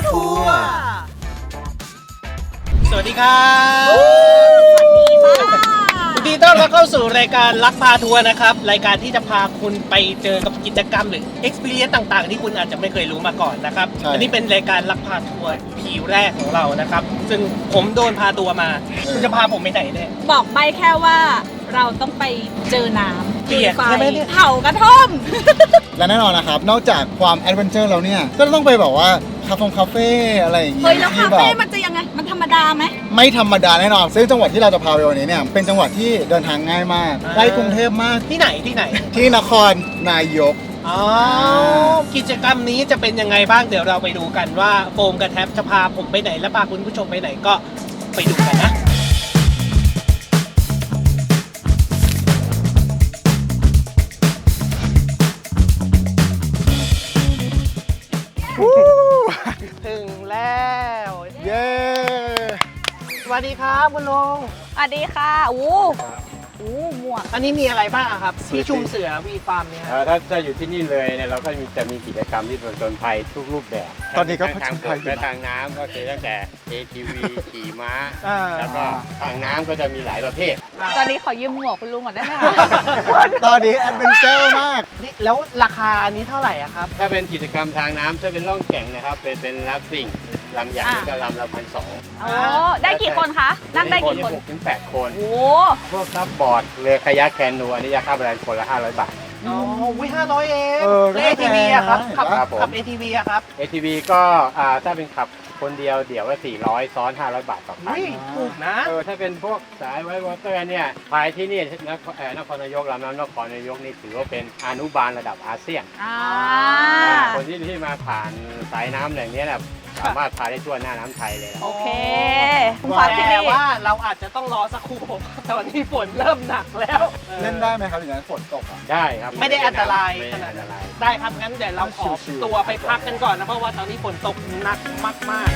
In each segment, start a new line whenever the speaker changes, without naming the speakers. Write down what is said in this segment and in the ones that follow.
ทัวร์สวัสดีครับ
สวัสดีค่ะ
ยินดีต้อนรับเข้าสู่รายการลักพาทัวร์นะครับรายการที่จะพาคุณไปเจอกับกิจกรรมหรือ experience ต่างๆ ที่คุณอาจจะไม่เคยรู้มาก่อนนะครับอันนี้เป็นรายการลักพาทัวร์พีแรกของเรานะครับซึ่งผมโดนพาตัวมาคุณจะพาผมไปไหนเนี่ย
บอกใบแค่ว่าเราต้องไปเจอน้ำ
เปียก
ไฟ
ใช่ไหมเนี่ย
เผากระท่อม
และแน่นอนนะครับ นอกจากความแอดเวนเจอร์แล้วเนี่ย ก็ต้องไปแบบว่าคาเฟ่อะไรอย่างเงี้
เฮ้ย
ย
แล้ว
ที่
คา
แบ
เฟ่
บ
มันจะยังไง มันธรรมดาไหม
ไม่ธรรมดาแน่นอน ซึ่งจังหวัดที่เราจะพาไปวันนี้เนี่ย เป็นจังหวัดที่เดินทางง่ายมากใกล้กรุงเทพมาก
ที่ไหนที่ไหน
ที่นครนายก
อ๋อกิจกรรมนี้จะเป็นยังไงบ้างเดี๋ยวเราไปดูกันว่าโฟมกับแท็บจะพาผมไปไหนและพาคุณผู้ชมไปไหนก็ไปดูกันนะถึงแล้ว
เย้
สวัสดีครับคุณลุง
สวัสดีค่ะอู้หมวก
อันนี้มีอะไรบ้างอะครับที่ชุมเสือวีฟาร์มเนี่ยครับ
ถ้าอยู่ที่นี่เลยเนี่ยเราก็จะมีกิจกรรมที่ผจญภัยทุกรูปแบบ
ตอนนี้ก็ผ
ทา
จ
ง
ญ
บ
ภัย
ก
อยู่
และ
นะ
ทางน้ำก็คือตั้งแต่ ATV ขี่ม้า
อ่า
แล้วก็ทางน้ำก็จะมีหลายประเภท
ตอนนี้ขอยืมหมวกคุณลุงก่อนได้ไหมคะ
ตอนนี้แอดเวนเจอร์มาก
นี่แล้วราคาอันนี้เท่าไหร่อะครับ
ถ้าเป็นกิจกรรมทางน้ำถ้าเป็นล่องแก่งนะครับเป็นลัฟติ้งลำใหญ่ก็ลำละ1,200
โอ้ได้กี่คนคะ นั่งได้กี่คน
6 ถึง 8 คน
โอ้
พวกซับบอร์ดเรือคายักแคนูอันนี้จะค่าบริการคนละ500 บาท
อ๋อวิ500เอง
เออ
แล้ว
ก็ไม่
ATV
แพง
อะครับ
นะ
ขับ
ครับผม
ขับ ATV อะครับ
ATV ก็ถ้าเป็นขับคนเดียวเดี๋ยวละ400ซ้อน500 บาทต่อคัน
อุ้ยถูกนะ
ถ้าเป็นพวกสายไวท์วอเตอร์เนี่ยภายที่นี่นครนายกลำน้ำนครนายกนี่ถือว่าเป็นอนุบาลระดับอาเซียน
อ่า
คนที่มาผ่านสายน้ำแหล่งนี้นะสามารถพาได้ทั่วหน้าน้ำไทยเลยนะ
โอเคคุณฟ้าที่
แต่
นี่
ว่าเราอาจจะต้องรอสักครู่ผมตอนนี้ฝนเริ่มหนักแล้ว
เล่นได้ไหมครับอย่างนั้นฝนตกอ่ะ
ได้ครับ
ไม่ได้อันตราย
ไม่
ข
ได้
นาด
อันต
นั้น
ราย
ได้ครับงั้นเดี๋ยวเราขอ
ชิวๆ
ตัวไปพักกันก่อนนะเพราะว่าตอนนี้ฝนตกหนักมาก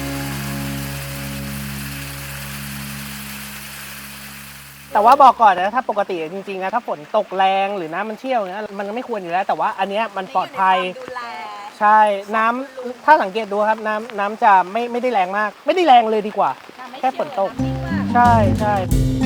ๆ แต่ว่าบอกก่อนนะถ้าปกติจริงๆนะถ้าฝนตกแรงหรือน้ำมันเชี่ยวเนี่ยมันไม่ควรอยู่แล้วแต่ว่าอันเนี้ยมันปลอดภัย
ดูแล
ใช่น้ำถ้าสังเกตดูครับน้ำจะไม่ได้แรงมาก ไม่ได้แรงเลยดีกว่า แค่ฝนตก ใช่ใช่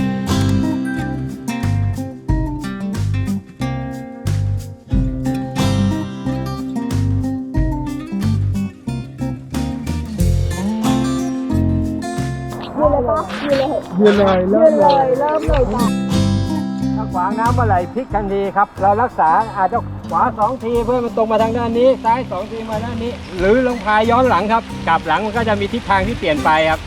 ยืนเลยเริ่มเลยจ้ะ
ถ้าขวางน้ำเมื่อไหร่พลิกทันทีครับ เรารักษาอาจจะขวา2 ทีเพื่อมันตรงมาทางด้านนี้ ซ้าย2 ทีมาด้านนี้ หรือลงพายย้อนหลังครับ กลับหลังมันก็จะมีทิศทางที่เปลี่ยนไปครับ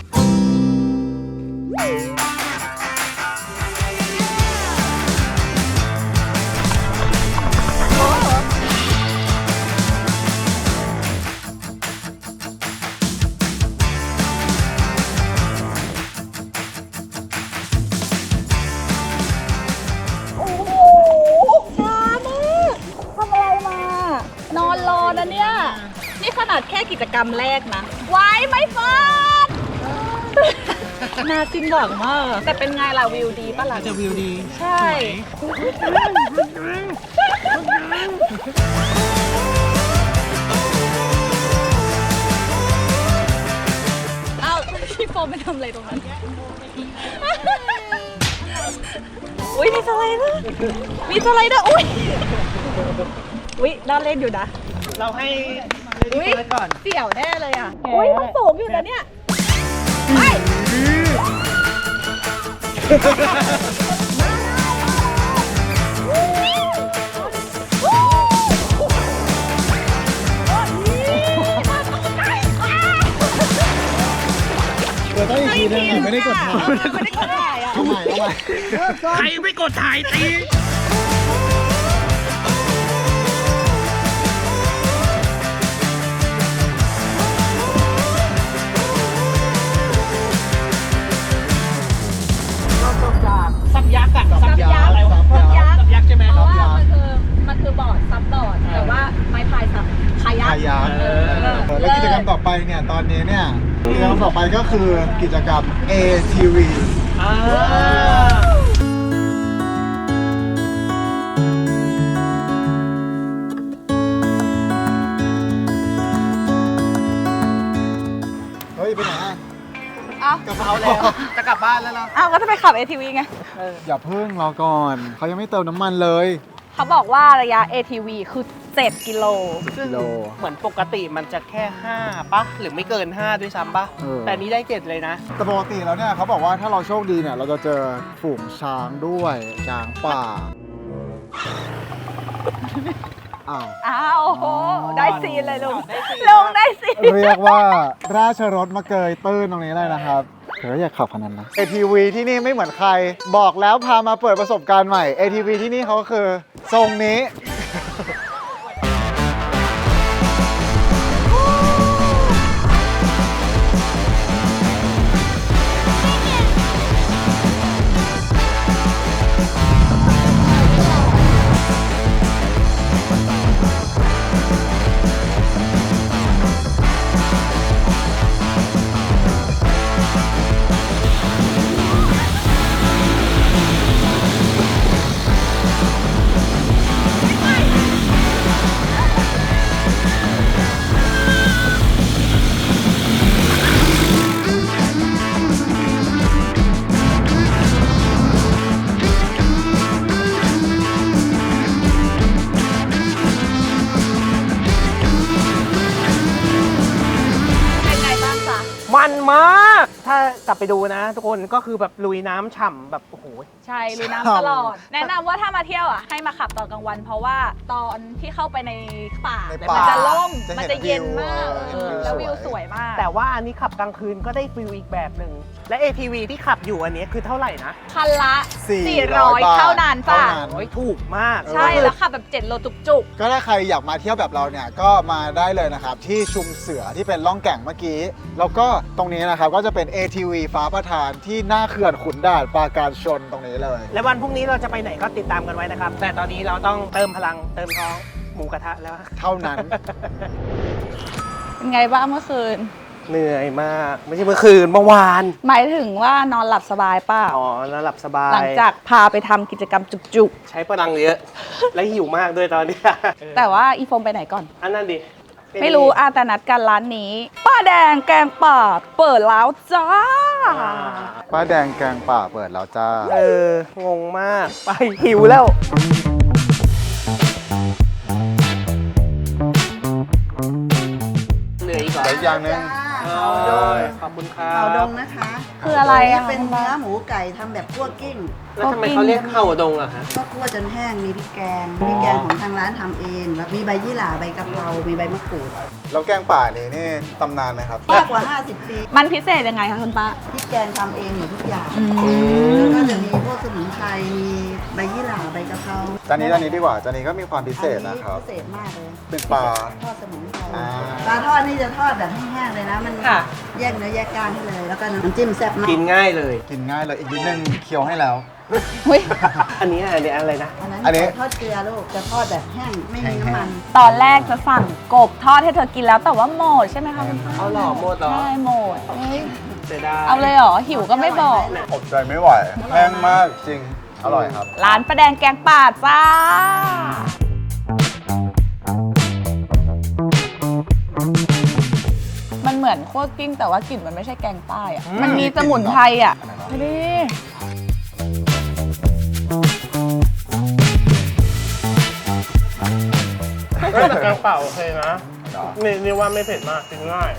โอ้โหช้ามากทำอะไรมา นอนรอนะเนี่ย นี่ขนาดแค่กิจกรรมแรกนะ ไว้ไม่ฟาดน่าสิ้นหวังมาก แต่เป็นไงล่ะวิวดีปะล่ะ
จะวิวดี
ใช่ เอาพี่โฟมไปทำอะไรตรงนั้น อุ้ยมีสไลเดอร์มีสไลเดอร์อุ้ยอุ้ยน่าเล่นอยู่นะ
เราให้
อุ้ย
เปิดก่อน
เสี่ยวแน่เลยอ่ะ อุ้ยมันสูงอยู่นะเนี่ยไป
เดี๋ยวต้องอีกทีนึงไม่ได้กดถ่าย
ไม่ได้กดถ่ายอ่ะ
เอาใหม่
ใครไม่กดถ่ายตีซับยักษ์อะซับยักษ์อะไรวะ
ซับยักษ์
ซับยักษ์ใช่ไหม
เพ
ครั
ราะ
บ
ว่ามันคือบอร์ดซับบอร์ด แต่ว่าไม้พายซับคายัก
พายา แล้วกิจกรรมต่อไปเนี่ยตอนนี้เนี่ยกิจกรรมต่อไปก็คือกิจกรรม ATV
อ่า
อ้าว
กระเป๋า
เอาแล้วจะกลับบ้านแล้วนะ
อ้าวก็จะไปขับ ATV ไง
อย่าเพิ่งรอก่อน เขายังไม่เติมน้ำมันเลย
เขาบอกว่าระยะ ATV คือ 7 กิโล
ซึ่ง
กิโล
เหมือนปกติมันจะแค่ 5ปะหรือไม่เกิน 5 ด้วยซ้ำปะ
เออ
แต่นี้ได้ 7 เลยนะ
แต่ปกติแล้วเนี่ยเขาบอกว่าถ้าเราโชคดีเนี่ยเราจะเจอฝูงช้างด้วยช้างป่า อ้าว
อ้าวโอ้โหได้ซีนเลยลุงลุงได้ซีน
เรียกว่าราชรถมาเกยตื้นตรงนี้เลยนะครับเธออยากขับขนาดนั้นนะ ATV ที่นี่ไม่เหมือนใคร บอกแล้วพามาเปิดประสบการณ์ใหม่ ATV ที่นี่เขาคือทรงนี้
เป็นไงบ้างจ๊ะ
มันมาก ถ้ากลับไปดูนะทุกคนก็คือแบบลุยน้ำฉ่ำแบบโอ้โห
ใช่ลุยน้ำตลอด แนะนำว่าถ้ามาเที่ยวอ่ะให้มาขับตอนกลางวัน เพราะว่าตอนที่เข้าไปในป่า
ใน
มั
ป่า
จะล่ม
จะเห็น
มันจะเย็นมาก
วิว
แล้ววิว
ส
ส
ว
วย ยมาก
แต่ว่าอันนี้ขับกลางคืนก็ได้ฟิลอีกแบบหนึ่ง และ ATV ที่ขับอยู่อันนี้คือเท่าไหร่นะ
คันละ
400
400 เท่านั้นจ้ะ
เท่านั้น
โอ้ยถูกมาก
ใช่ แล้วขับแบบ 7 โลจุก
ก็ถ้าใครอยากมาเที่ยวแบบเราเนี่ยก็มาได้เลยนะครับ ที่ชุมเสือที่เป็นล่องแก่งเมื่อกี้ แล้วก็ตรงนี้นะครับก็จะเป็น ATV ฟ้าประทานที่หน้าเขื่อนขุนด่านปราการชนตรงนี้เลย
และวันพรุ่งนี้เราจะไปไหนก็ติดตามกันไว้นะครับ แต่ตอนนี้เราต้องเติมพลังเติมท้องหมูกระทะแล้ว
เท่านั้น
ๆ เป็นไงบ้างเมื่อคืน
เหนื่อยมาก ไม่ใช่เมื่อคืนเมื่อวาน
หมายถึงว่านอนหลับสบายเปล่า
อ๋อแล้วหลับสบาย
หลังจากพาไปทำกิจกรรมจุก
ใช้พลังเยอะ และหิวมากด้วยตอนเนี้ย
ๆ แต่ว่าอีโฟมไปไหนก่อน
อันนั้นดิ
ไม่รู้อาแต่นัดกันร้านนี้ ป้าแดงแกงป่าเปิดแล้วจ้า
ป้าแดงแกงป่าเปิดแล้วจ้า
งงมาก ไปหิวแล้ว เหลืออีกเหรอ
แต่อีกอย่างหนึง
ขอบคุณครั
เข่าด
บ
งนะคะ
คืออะไรอะ
เป็นเนื้อหมูไก่ทำแบบคั่วกิ้ง
แล้วทำไมเขาเรียกเข่าดงอะฮะ
ก็คั่วจนแห้ง มีพริกแกงของทางร้านทำเองแล้วมีใบยี่หร่าใบกะเพรา มีใบมะกรูด
แล้วแกงป่านี่ตำนานไหมครับ
มากกว่า 50 ปี
มันพิเศษยังไงคะคุณป้า
พริกแกงทำเองหมดทุกอย่าง
อื
แล้วก็
ม
จะมีพวกสมุนไพร มีใบยี่หร่าใบกะเพรา
จานนี้ดีกว่าจานนี้ก็มีความพิเศษนะครับ
พิเศษมากเลย
เป็นปลา
ทอดสมุนไพร
อ่า
ปลาทอดนี่จะทอดแบบแห้งๆเลยนะ มัน
ค่ะ
แยกเนื้อแยกกล้างให้เลย แล้วก็น้ำจิ้มแซ่บมาก
กินง่ายเลย
กินง่ายเลยอีกนิดนึงเคี้ยวให้แล้ว
เฮ้ย
อันนี้อะไรนะ
อันนั้น
อันนี้
ทอดเกลือลูก จะทอดแบบแห้ง ไม่มีน้ำมัน
ตอนแรกจะสั่งกบทอดให้เธอกินแล้วแต่ว่าหมดใช่ไหมคะคุณป้า
เอาหล่อหมดเหรอ
ใช่หมดเฮ้ย
เสียดาย
เอาเลยเหรอ หิวก็ไม่บอก
อดใจไม่ไหวแห้งมากจริง อร่อยครับ
ร้านประแดงแกงป่าจ้า มันเหมือนโคตรกิ้งแต่ว่ากลิ่นมันไม่ใช่แกงใต้อะมันมีสมุนไพรอ่ะไปดิ
แต่กลางเปล่าโอเคนะนี่ว่าไม่เผ็ดมากกินง่าย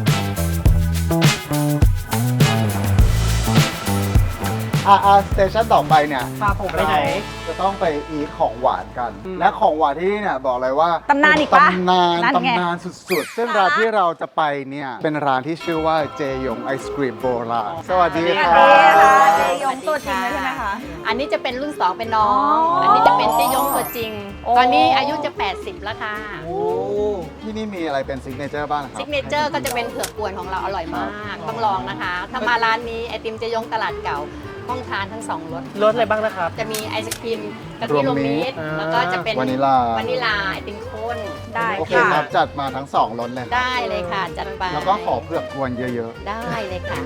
สเตชันต่อไปเนี่ย
พาผมไปไหน
จะต้องไปอีทของหวานกัน และของหวานที่นี่เนี่ยบอกเลยว่า
ตำนานอีกปะ
ตำนาน
นั่นไง
ตำนานสุดๆ ซึ่งร้านที่เราจะไปเนี่ยเป็นร้านที่ชื่อว่าเจยงไอศครีมโบราณสวัสดี
ส
ค
วัส
รั
ดีค่ะ
บ
เจยงตัวจริงเลยใช่ไหมคะ
อันนี้จะเป็นรุ่น 2 เป็นน้อง
อ๋ออั
อันนี้จะเป็นเจยงตัวจริง
โอ้
ตอนนี้อายุจะ 80 แล้วค่ะ
ที่นี่มีอะไรเป็นซิกเนเจอร์บ้างครั
ซิ
บ
กเนเจอร์ก็จะเป็นเผือกกวนของเราอร่อยมาก ต้องลองนะคะ ถ้ามาร้านนี้ไอติมเจยงตลาดเก่าต้องทานทั้ง 2รส
รสอะไรบ้างนะครับ
จะมีไอศครีมกะทิรวมมิตร
อ่า
แล้วก็จะเป็น
วานิลลา
วานิลลาไอติมข้น
ได้
โอเค
ค่ะ
ครับจัดมาทั้ง2รสเลยครับ
ได้เลยค่ะ จัดไป
แล้วก็ขอเผือกกวนเยอะ
ได้เลยค่ะ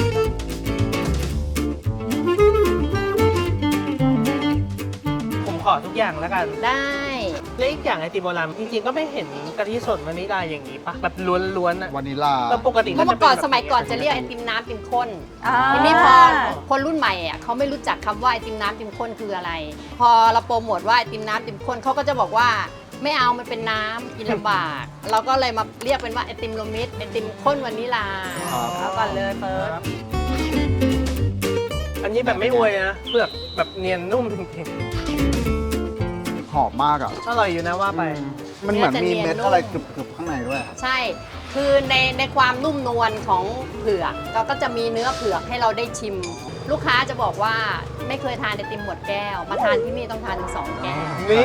ผมขอทุกอย่างแล้วกัน
ได้
และอีกอย่างไอติมโบราณจริงๆก็ไม่เห็นกะทิสดวานิลาอย่างนี้ปะแบบล้วนๆอะ
วานิลา
แล้วปกติ
เมื่
ก็
อก่อน
จะ
ส
เป็
มัยก่อน
แบบ
จะเรียกไอติมน้ำติมข้น
อ่า
ทีนี้พอคนรุ่นใหม่อ่ะเขาไม่รู้จักคำว่าไอติมน้ำติมข้นคืออะไร พอเราโปรโมทว่าไอติมน้ำติมข้นเขาก็จะบอกว่าไม่เอามันเป็นน้ำกินลำบาก เราก็เลยมาเรียกเป็นว่าไอติมโรมิดไอติมข้นวานิลา
ครับ
เอาก่อนเลยเฟิร์ส
อันนี้แบบไม่อวยนะเปลือกแบบเนียนนุ่มจริง
หอมมากอ่ะ
ๆอร่อยอยู่นะว่าไป
มันเหมือนมีเม็ด
เนื้อจะเนียนนุ่ม
อะไรกรึบๆข้างในด้วยอะ
ใช่ คือในความนุ่มนวลของเผือกเราก็จะมีเนื้อเผือกให้เราได้ชิม ลูกค้าจะบอกว่าไม่เคยทานไอติมหมดแก้ว มาทานที่นี่ต้องทานถึง2 แก้ว
นี่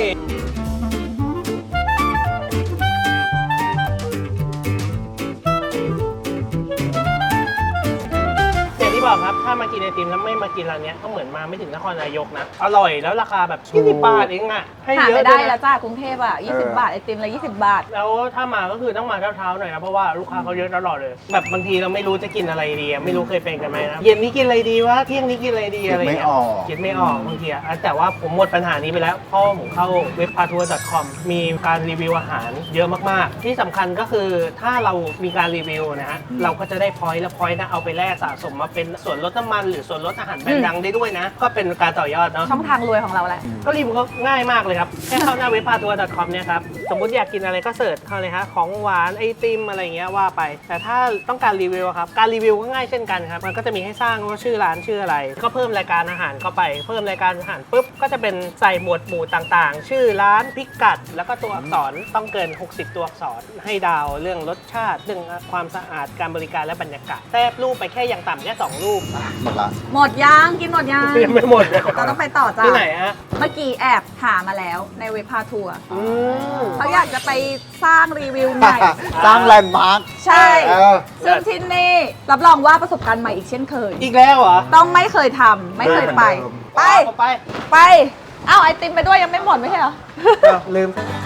อย่างที่บอกครับ ถ้ามากินไอติมแล้วไม่มากินร้านเนี้ยก็เหมือนมาไม่ถึงนครนายกนะ อร่อยแล้วราคาแบบ20 บาทเองอะให้
หา
เยอะ
ไม่
ด้
ได้
วย
แล้
นะ
วจ้ากรุงเทพอ่ะ20 บาทไอติมละ20 บาท
แล้วถ้ามาก็คือต้องมาเช้าๆหน่อยนะเพราะว่าลูกค้าเขาเยอะตลอดเลย แบบบางทีเราไม่รู้จะกินอะไรดีอะไม่รู้เคยเป็นกันไหมนะเย็นนี้กินอะไรดีวะเที่ยงนี้กินอะไรดีอะไร
คิดไม่
เงี้ย
ออก
คิดไม่ออกบางทีอะแต่ว่าผมหมดปัญหานี้ไปแล้วเพราะผมเข้าเว็บ patour.com มีการรีวิวอาหารเยอะมากๆ ที่สำคัญก็คือถ้าเรามีการรีวิวนะฮะเราก็จะได้พอยต์แล้วพอยต์นะเอาไปแลกสะสมมาเป็นส่วนลดน้ำมันหรือส่วนลดอาหารแบรนด์ดังได้ด้วยนะ ก็เป็นการต่อยอดเนาะ
ช่องทางรวยของเราแหละ
ก็รีวิวก็ง่ายมากเลยครับ แค่เข้าหน้าเว็บ patour.com เนี่ยครับ สมมุติอยากกินอะไรก็เสิร์ชเข้าเลยฮะของหวานไอติมอะไรเงี้ยว่าไป แต่ถ้าต้องการรีวิวอะครับ การรีวิวก็ง่ายเช่นกันครับ มันก็จะมีให้สร้างว่าชื่อร้านชื่ออะไร ก็เพิ่มรายการอาหารเข้าไป เพิ่มรายการอาหารปุ๊บ ก็จะเป็นใส่หมวดหมู่ต่างๆ ชื่อร้านพิกัด แล้วก็ตัวอักษรต้องเกิน 60 ตัวอักษร ให้ดาวเรื่องรสชาติ เรื่องความสะอาด การบริการและบรรยากาศแทบรูปไปแค่อย่างต่ำแค่2รูป
หมดละ
หมดยังกินหมดยัง
ยังไม่หมดเลย
เราต้องไปต่อจ้า
ที่ไหนฮะ
เมื่อกี้แอบหามาแล้วในเว็บพาทัวร์
อืม
เขาอยากจะไปสร้างรีวิวใหม่
สร้างแลนด์มาร์ค
ใช่
เออ
ซึ่งที่นี่รับรองว่าประสบการณ์ใหม่อีกเช่นเคย
อีกแล้วเหรอ
ต้องไม่เคยทำไม่เคยไป ไป
เอาไป
ไป เอ้าไอติมไปด้วยยังไม่หมดไม่ใช่เหรอ
ลืม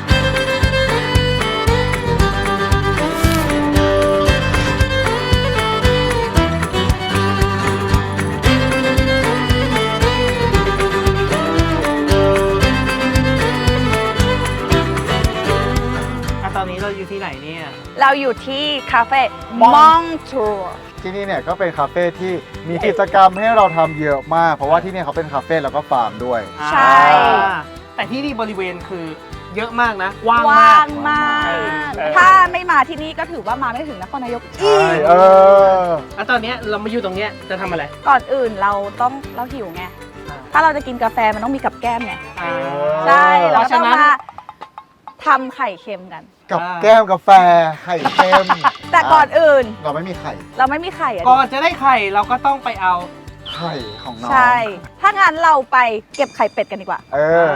ตอนนี้เราอยู่ที่ไหนเนี่ย
เราอยู่ที่คาเฟ่
มอง
มองทัวร์
ที่นี่เนี่ยก็เป็นคาเฟ่ที่มีกิจกรรมให้เราทำเยอะมาก เพราะว่าที่นี่เขาเป็นคาเฟ่แล้วก็ฟาร์มด้วย
ใช่
แต่ที่นี่บริเวณคือเยอะมากนะว่าง
ว่าม
าก
งมาก
เออ
ถ้าไม่มาที่นี่ก็ถือว่ามาไม่ถึงนครนายก
ใช่เออ
แล้วตอนเนี้ยเรามาอยู่ตรงเนี้ยจะทำอะไร
ก่อนอื่นเราหิวไง ถ้าเราจะกินกาแฟมันต้องมีกับแก้มไง
อ่า
ใช่
เพ
เรา
ราะ
ต้
ฉะ
อง
นั้น
มาทำไข่เค็มกัน
กับแก้มกาแฟไข่เค็ม
แต่ก่อนอื่น
เราไม่มีไข่
เราไม่มีไข่อะ
ก่อนจะได้ไข่เราก็ต้องไปเอา
ไข่ของน้อง
ใช่ ถ้างั้นเราไปเก็บไข่เป็ดกันดีกว่า
เออ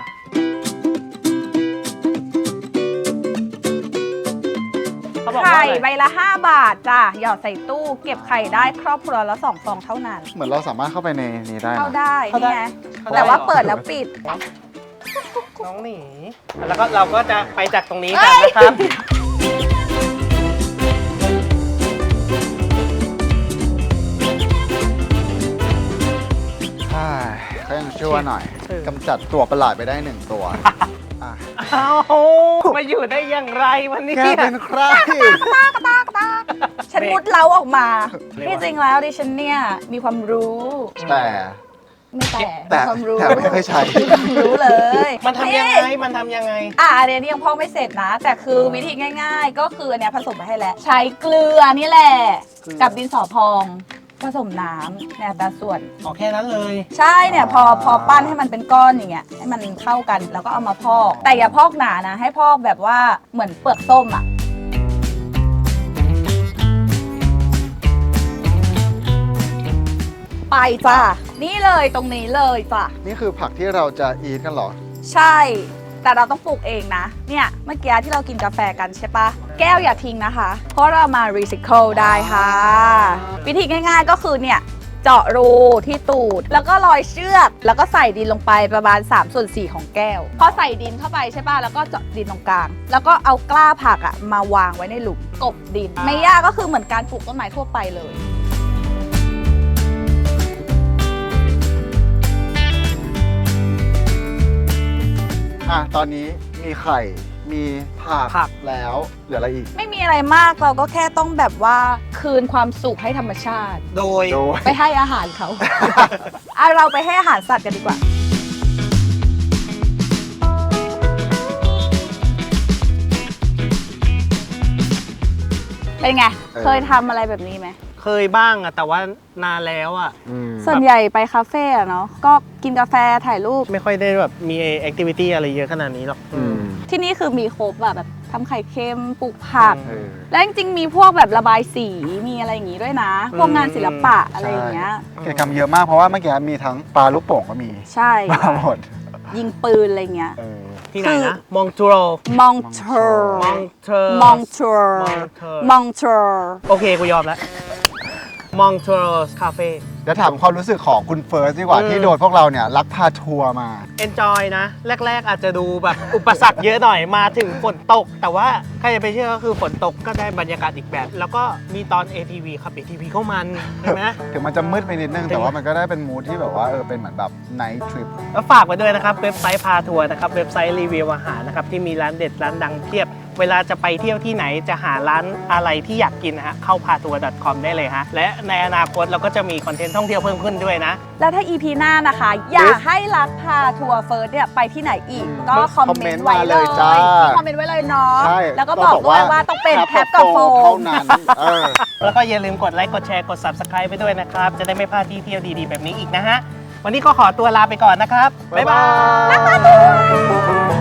เขาบอกว่า
ไข่
อะไร
ใบละ 5 บาทจ้ะ หยอดใส่ตู้ เก็บไข่ได้ครอบครัวละ2 ฟองเท่านั้น
เหมือนเราสามารถเข้าไปในนี้ได้
เข้า
นะ
ได้
เข้าได้
นี่ไง
เข้าได้
แต่ว่า
เหรอ
เปิดแล้วปิด
น้องหนีแล้วก็เราก็จะไปจากตรงนี้กันนะครับ
ใช่ก็ยังชั่วหน่อย
เออ
กำจัดตัวประหลาดไปได้ 1 ตัวอ่ะ
เอามาอยู่ได้อย่างไรวันนี้
แกเป็นใคร
ฉันมุดเล้าออกมา
เรียกว่า
ที่จริงแล้วดิฉันเนี่ยมีความรู้
แต่
ไม่แต่
แต่
มีความรู้
แต่ไม่เคยใช้
มีความรู้เลย
มันทำยังไง มันทำยังไง
อันนี้ยังพอกไม่เสร็จนะ แต่คือวิธีง่าย ๆ ก็คืออันเนี้ยผสมไปให้แล้ว ใช้เกลือนี่แหละ
เกลือ
กับดินสอพองผสมน้ำในอัตราส่วน
ออกแค่นั้นเลย
ใช่เนี่ยพอปั้นให้มันเป็นก้อนอย่างเงี้ยให้มันเข้ากันแล้วก็เอามาพอก แต่อย่าพอกหนานะ ให้พอกแบบว่าเหมือนเปลือกส้มอ่ะ ไปจ้ะนี่เลยตรงนี้เลยจ้ะ
นี่คือผักที่เราจะอีทกันเหรอ
ใช่ แต่เราต้องปลูกเองนะ เนี่ยเมื่อกี้ที่เรากินกาแฟกันใช่ปะแก้วอย่าทิ้งนะคะ เพราะเรามารีไซเคิลได้ค่ะ วิธีง่ายๆก็คือเนี่ยเจาะรูที่ตูด แล้วก็ลอยเชือก แล้วก็ใส่ดินลงไปประมาณ3/4ของแก้ว พอใส่ดินเข้าไปใช่ปะแล้วก็เจาะดินตรงกลาง แล้วก็เอากล้าผักอะมาวางไว้ในหลุมกบดิน ไม่ยากก็คือเหมือนการปลูกต้นไม้ทั่วไปเลย
อตอนนี้มีไข่มีผักแล้วเหลืออะไรอีก
ไม่มีอะไรมากเราก็แค่ต้องแบบว่าคืนความสุขให้ธรรมชาติ
โดย
ไปให้อาหารเขา เราไปให้อาหารสัตว์กันดีกว่า เป็นไง เคยทำอะไรแบบนี้ไหม
เคยบ้างอะแต่ว่านานแล้วอะ
ส่วนใหญ่ไปคาเฟ่อะเนาะ ก็กินกาแฟถ่ายรูป
ไม่ค่อยได้แบบมีแอคทิวิตี้อะไรเยอะขนาดนี้หรอก
ที่นี่คือมีครบอะแบบทำไข่เค็มปลูกผัก
เออ
แล้วจริงๆมีพวกแบบระบายสีมีอะไรอย่างงี้ด้วยนะ พวกงานศิลปะอะไรอย่างเงี้ย
กิจกรรมเยอะมากเพราะว่าเมื่อกี้มีทั้งปลาลูกโป่งก็มี
ใช่
มาหมด
ยิงปืนอะไรเงี้ย
ที่ไหนนะ มองจูโร
มองเทอร์
มองเทอร์
มองเทอร์
Montreux
มองเทอร์
โอเค กูยอมแล้ว มองจูโรคาเฟ่
เดี๋ยวถามความรู้สึกของคุณเฟิร์สดีกว่าที่โดนพวกเราเนี่ยลักพาทัวร์มา
enjoy นะ แรก ๆ อาจจะดูแบบอุปสรรคเยอะหน่อยมาถึงฝนตก แต่ว่าใครจะไปเชื่อก็คือฝนตกก็ได้บรรยากาศอีกแบบ แล้วก็มีตอน ATV ครับ ATV เข้ามันใช่ไหม
ถึงมันจะมืดไปนิดนึงแต่ว่ามันก็ได้เป็นมูทที่แบบว่าเป็นเหมือนแบบไนท์ทริป
แล้วฝากไว้ด้วยนะครับ เว็บไซต์พาทัวร์นะครับ เว็บไซต์รีวิวอาหารนะครับ ที่มีร้านเด็ดร้านดังเพียบ เวลาจะไปเที่ยวที่ไหนจะหาร้านอะไรที่อยากกินนะฮะเข้าพาทัวร์ .com ได้เลยฮะและในอนาคตเราก็จะมีคอนเทนต์ท่องเที่ยวเพิ่มขึ้นด้วยนะ
แล้วถ้า EP หน้านะคะ อยากให้รักพาทัวร์เฟิร์สเนี่ยไปที่ไหนอีก ก็คอมเมนต์ไว้เลย
จ้า
คอมเมนต์ไว้เลยเนาะ
ใช่
แล้วก็บอกด้วยว่าต้องเป็นแท็บกับโฟ
เท่าม นั้นเออ
แล้วก็อย่าลืมกดไลค์กดแชร์กด Subscribe ไปด้วยนะครับ จะได้ไม่พลาดที่เที่ยวดีๆแบบนี้อีกนะฮะ วันนี้ก็ขอตัวลาไปก่อนนะครับ บ๊ายบาย
บ๊ายบาย